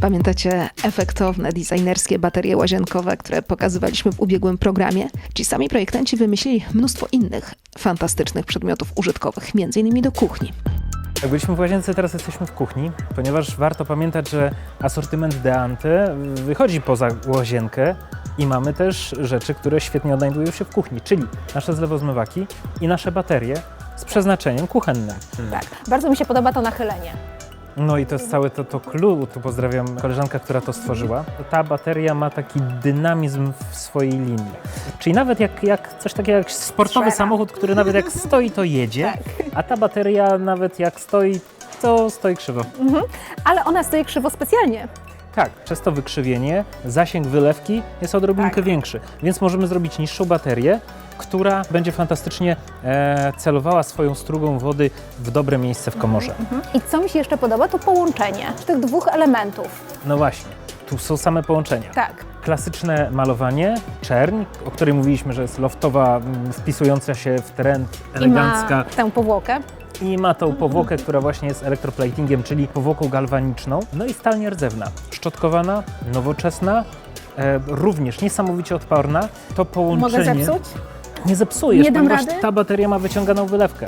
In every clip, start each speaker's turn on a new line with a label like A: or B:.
A: Pamiętacie efektowne, designerskie baterie łazienkowe, które pokazywaliśmy w ubiegłym programie? Ci sami projektanci wymyślili mnóstwo innych fantastycznych przedmiotów użytkowych, m.in. do kuchni.
B: Jak byliśmy w łazience, teraz jesteśmy w kuchni, ponieważ warto pamiętać, że asortyment Deante wychodzi poza łazienkę i mamy też rzeczy, które świetnie odnajdują się w kuchni, czyli nasze zlewozmywaki i nasze baterie z przeznaczeniem kuchennym.
C: Tak, bardzo mi się podoba to nachylenie.
B: No i to jest całe to clue, tu pozdrawiam koleżankę, która to stworzyła. Ta bateria ma taki dynamizm w swojej linii. Czyli nawet jak coś takiego jak sportowy samochód, który nawet jak stoi, to jedzie, a ta bateria nawet jak stoi, to stoi krzywo.
C: Ale ona stoi krzywo specjalnie.
B: Tak, przez to wykrzywienie zasięg wylewki jest odrobinkę większy, więc możemy zrobić niższą baterię, która będzie fantastycznie celowała swoją strugą wody w dobre miejsce w komorze.
C: I co mi się jeszcze podoba, to połączenie tych dwóch elementów.
B: No właśnie, tu są same połączenia.
C: Tak.
B: Klasyczne malowanie, czerń, o której mówiliśmy, że jest loftowa, wpisująca się w trend, elegancka.
C: I ma tę powłokę.
B: I ma tą powłokę, która właśnie jest elektroplatingiem, czyli powłoką galwaniczną. No i stal nierdzewna, szczotkowana, nowoczesna, również niesamowicie odporna. To połączenie...
C: Mogę zepsuć?
B: Nie zepsujesz,
C: Nie dam
B: ponieważ
C: rady?
B: ta bateria ma wyciąganą wylewkę.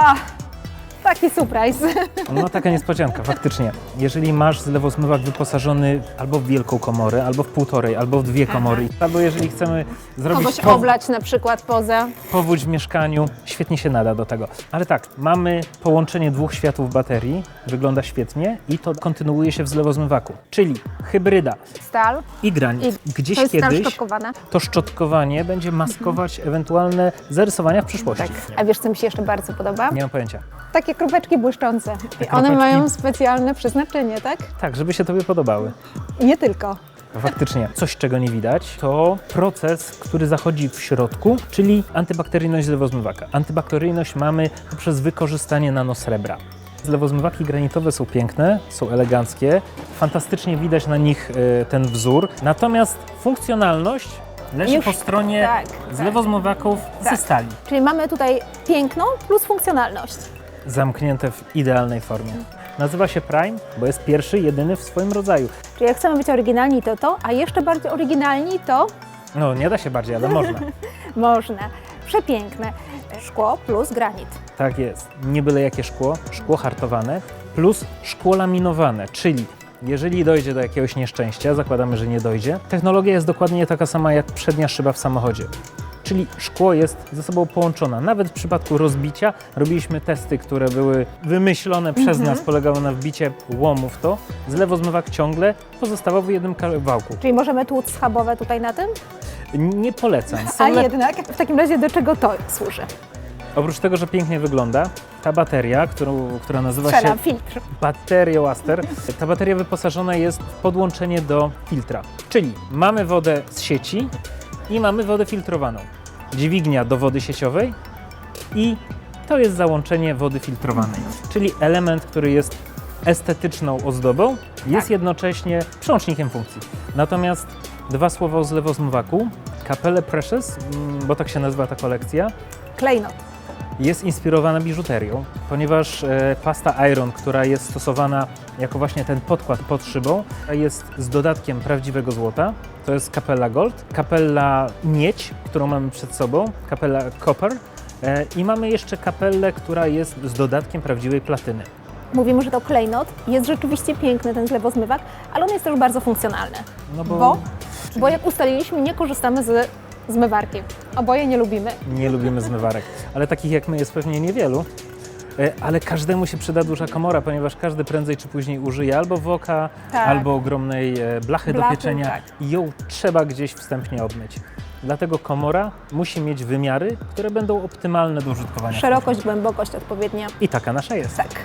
C: Taki surprise.
B: No taka niespodzianka, faktycznie. Jeżeli masz zlewozmywak wyposażony albo w wielką komorę, albo w półtorej, albo w dwie komory, albo jeżeli chcemy zrobić
C: Kogoś oblać na przykład poza.
B: powódź w mieszkaniu, świetnie się nada do tego. Ale tak, mamy połączenie dwóch światów baterii, wygląda świetnie i to kontynuuje się w zlewozmywaku, czyli hybryda
C: Stal.
B: i granit. Gdzieś
C: To jest stal
B: kiedyś
C: szczotkowana.
B: to szczotkowanie będzie maskować ewentualne zarysowania w przyszłości.
C: Tak. A wiesz, co mi się jeszcze bardzo podoba?
B: Nie mam pojęcia.
C: Takie kropeczki błyszczące. I one
B: kropeczki?
C: mają specjalne przeznaczenie, tak?
B: Tak, żeby się Tobie podobały.
C: I nie tylko.
B: Faktycznie. Coś, czego nie widać, to proces, który zachodzi w środku, czyli antybakteryjność zlewozmywaka. Antybakteryjność mamy poprzez wykorzystanie nanosrebra. Zlewozmywaki granitowe są piękne, są eleganckie, fantastycznie widać na nich ten wzór, natomiast funkcjonalność leży
C: Już-
B: po stronie
C: tak,
B: zlewozmywaków ze
C: tak.
B: stali.
C: Czyli mamy tutaj piękno plus funkcjonalność.
B: Zamknięte w idealnej formie. Nazywa się Prime, bo jest pierwszy, jedyny w swoim rodzaju.
C: Czyli jak chcemy być oryginalni, to, a jeszcze bardziej oryginalni, to
B: No, nie da się bardziej, ale można.
C: można. Przepiękne. Szkło plus granit.
B: Tak jest. Nie byle jakie szkło, szkło hartowane plus szkło laminowane, czyli jeżeli dojdzie do jakiegoś nieszczęścia, zakładamy, że nie dojdzie, technologia jest dokładnie taka sama jak przednia szyba w samochodzie. Czyli szkło jest ze sobą połączone. Nawet w przypadku rozbicia robiliśmy testy, które były wymyślone przez nas, polegały na wbicie łomu w to. Zlewozmywak ciągle pozostawał w jednym kawałku.
C: Czyli możemy tłuc schabowe tutaj na tym?
B: Nie polecam.
C: A jednak w takim razie do czego to służy?
B: Oprócz tego, że pięknie wygląda, ta bateria, która nazywa się
C: Strzelam, filtr.
B: Bateria Waster. Ta bateria wyposażona jest w podłączenie do filtra. Czyli mamy wodę z sieci i mamy wodę filtrowaną. Dźwignia do wody sieciowej i to jest załączenie wody filtrowanej. Czyli element, który jest estetyczną ozdobą, jest jednocześnie przełącznikiem funkcji. Natomiast dwa słowa o zlewozmywaku. Capelle Precious, bo tak się nazywa ta kolekcja,
C: Klejnot.
B: jest inspirowana biżuterią, ponieważ pasta Iron, która jest stosowana jako właśnie ten podkład pod szybą, jest z dodatkiem prawdziwego złota. To jest Capella Gold, Capella Miedź, którą mamy przed sobą, Capella Copper i mamy jeszcze kapellę, która jest z dodatkiem prawdziwej platyny.
C: Mówimy, że to klejnot. Jest rzeczywiście piękny ten zlewozmywak, ale on jest też bardzo funkcjonalny.
B: No
C: Bo jak ustaliliśmy, nie korzystamy z zmywarki. Oboje nie lubimy.
B: nie lubimy zmywarek, ale takich jak my jest pewnie niewielu. Ale każdemu się przyda duża komora, ponieważ każdy prędzej czy później użyje albo woka,
C: Tak.
B: albo ogromnej blachy do
C: Blachy,
B: pieczenia
C: tak.
B: i ją trzeba gdzieś wstępnie obmyć. Dlatego komora musi mieć wymiary, które będą optymalne do użytkowania.
C: Szerokość, głębokość odpowiednia.
B: I taka nasza jest.
C: Tak.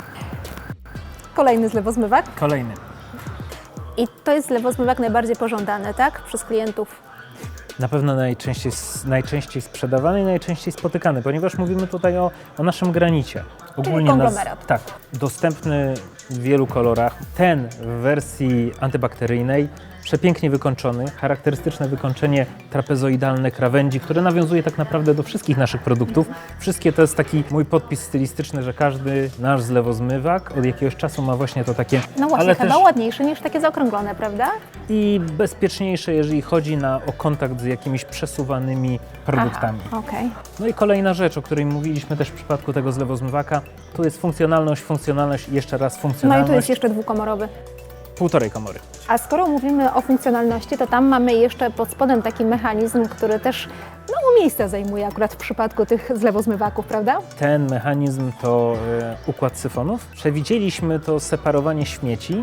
C: Kolejny zlewozmywak.
B: Kolejny.
C: I to jest zlewozmywak najbardziej pożądany, tak? Przez klientów.
B: Na pewno najczęściej sprzedawany i najczęściej spotykany, ponieważ mówimy tutaj o naszym granicie.
C: konglomerat.
B: Tak, dostępny w wielu kolorach. Ten w wersji antybakteryjnej przepięknie wykończony, charakterystyczne wykończenie trapezoidalne krawędzi, które nawiązuje tak naprawdę do wszystkich naszych produktów. Wszystkie to jest taki mój podpis stylistyczny, że każdy nasz zlewozmywak od jakiegoś czasu ma właśnie to takie,
C: No właśnie,
B: ale
C: chyba
B: też
C: ładniejsze niż takie zaokrąglone, prawda?
B: i bezpieczniejsze, jeżeli chodzi o kontakt z jakimiś przesuwanymi produktami.
C: Aha, okej.
B: No i kolejna rzecz, o której mówiliśmy też w przypadku tego zlewozmywaka, tu jest funkcjonalność i jeszcze raz
C: No i
B: funkcjonalność.
C: tu jest jeszcze dwukomorowy.
B: Półtorej komory.
C: A skoro mówimy o funkcjonalności, to tam mamy jeszcze pod spodem taki mechanizm, który też miejsce zajmuje akurat w przypadku tych zlewozmywaków, prawda?
B: Ten mechanizm to układ syfonów. Przewidzieliśmy to separowanie śmieci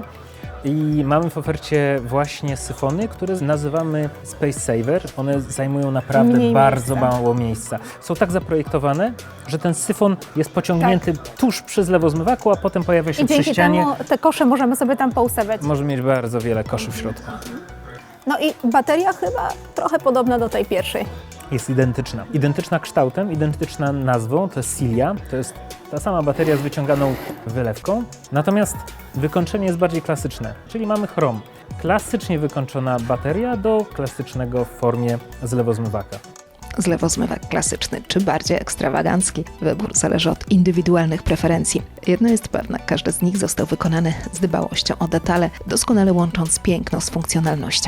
B: i mamy w ofercie właśnie syfony, które nazywamy Space Saver. One zajmują naprawdę
C: Mniej
B: bardzo
C: miejsca.
B: mało miejsca. Są tak zaprojektowane, że ten syfon jest pociągnięty tuż przy zlewozmywaku, a potem pojawia się
C: I
B: przy
C: dzięki
B: ścianie.
C: temu te kosze możemy sobie tam poustawiać.
B: Może mieć bardzo wiele koszy w środku.
C: No i bateria chyba trochę podobna do tej pierwszej.
B: Jest identyczna. Identyczna kształtem, identyczna nazwą, to jest Cilia, to jest ta sama bateria z wyciąganą wylewką, natomiast wykończenie jest bardziej klasyczne, czyli mamy chrom. Klasycznie wykończona bateria do klasycznego w formie zlewozmywaka.
A: Zlewozmywak klasyczny czy bardziej ekstrawagancki? Wybór zależy od indywidualnych preferencji. Jedno jest pewne, każdy z nich został wykonany z dbałością o detale, doskonale łącząc piękno z funkcjonalnością.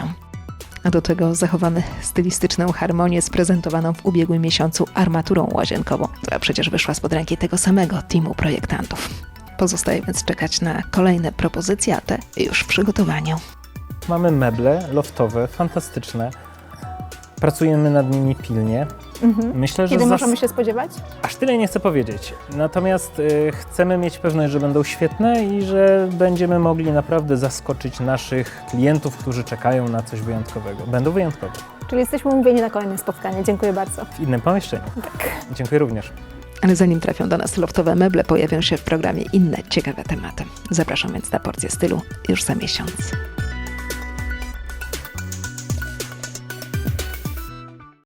A: A do tego zachowamy stylistyczną harmonię z prezentowaną w ubiegłym miesiącu armaturą łazienkową, która przecież wyszła spod ręki tego samego teamu projektantów. Pozostaje więc czekać na kolejne propozycje, a te już w przygotowaniu.
B: Mamy meble loftowe, fantastyczne. Pracujemy nad nimi pilnie. Myślę, że
C: Kiedy możemy się spodziewać?
B: aż tyle nie chcę powiedzieć. Natomiast chcemy mieć pewność, że będą świetne i że będziemy mogli naprawdę zaskoczyć naszych klientów, którzy czekają na coś wyjątkowego. Będą wyjątkowe.
C: Czyli jesteśmy umówieni na kolejne spotkanie. Dziękuję bardzo.
B: W innym pomieszczeniu.
C: Tak.
B: Dziękuję również.
A: Ale zanim trafią do nas loftowe meble, pojawią się w programie inne ciekawe tematy. Zapraszam więc na porcję stylu już za miesiąc.